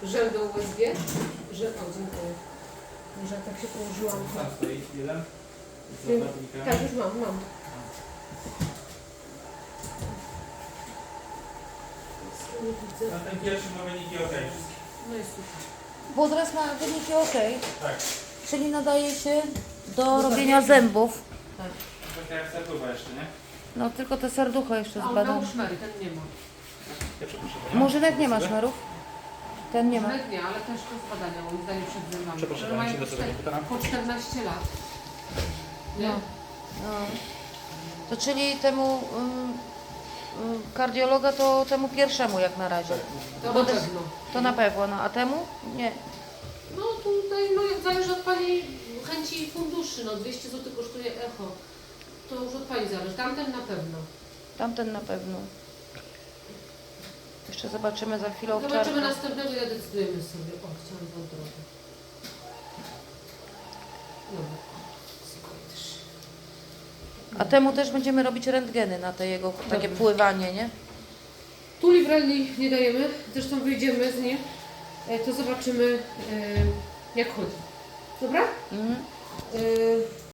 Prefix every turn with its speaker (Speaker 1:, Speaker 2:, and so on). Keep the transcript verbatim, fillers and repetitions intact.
Speaker 1: Żel do U S G? Że, o, dziękuję. Że tak się położyłam.
Speaker 2: Tam stoi jeden. Z
Speaker 1: Wiem.
Speaker 2: zakładnikami.
Speaker 1: Tak, już mam, mam. Nie widzę.
Speaker 2: Na ten pierwszy ma wyniki ok.
Speaker 1: No jest super.
Speaker 3: Wodraz ma wyniki ok,
Speaker 2: Tak.
Speaker 3: czyli nadaje się do robienia zębów.
Speaker 1: Tak.
Speaker 2: Taka jak serducha jeszcze, nie?
Speaker 3: No tylko te serducho jeszcze
Speaker 1: A on miał
Speaker 3: zbadam.
Speaker 1: szmery, ten nie ma.
Speaker 2: Ja przepraszam.
Speaker 3: Murzynek nie ma szmerów? Ten nie ma.
Speaker 1: Szmerek nie, ale też to zbadania moim zdaniem przed zębami.
Speaker 2: Przepraszam,
Speaker 1: Które
Speaker 2: pani
Speaker 1: mają
Speaker 2: się do
Speaker 1: po
Speaker 2: tego
Speaker 1: czter-
Speaker 2: pytana?
Speaker 1: po czternaście lat. Nie?
Speaker 3: No. No. To czyli temu ym, ym, kardiologa to temu pierwszemu jak na razie.
Speaker 1: To
Speaker 3: Bo
Speaker 1: na
Speaker 3: to jest-
Speaker 1: pewno.
Speaker 3: To na pewno, no a temu? Nie.
Speaker 1: No tutaj no, jak zależy od Pani chęci i funduszy. No dwieście złotych kosztuje echo. To już od Pani zależy. Tamten na pewno.
Speaker 3: Tamten na pewno. Jeszcze zobaczymy za chwilę
Speaker 1: Zobaczymy
Speaker 3: owczarka.
Speaker 1: następnego i zadecydujemy sobie. O, chciałam wątrobę. Dobra. Skończysz.
Speaker 3: A temu też będziemy robić rentgeny na te jego takie
Speaker 1: Dobra.
Speaker 3: pływanie, nie?
Speaker 1: Tu libralni nie dajemy, zresztą wyjdziemy z nim, e, to zobaczymy e, jak chodzi. Dobra?
Speaker 3: Mhm.
Speaker 1: E,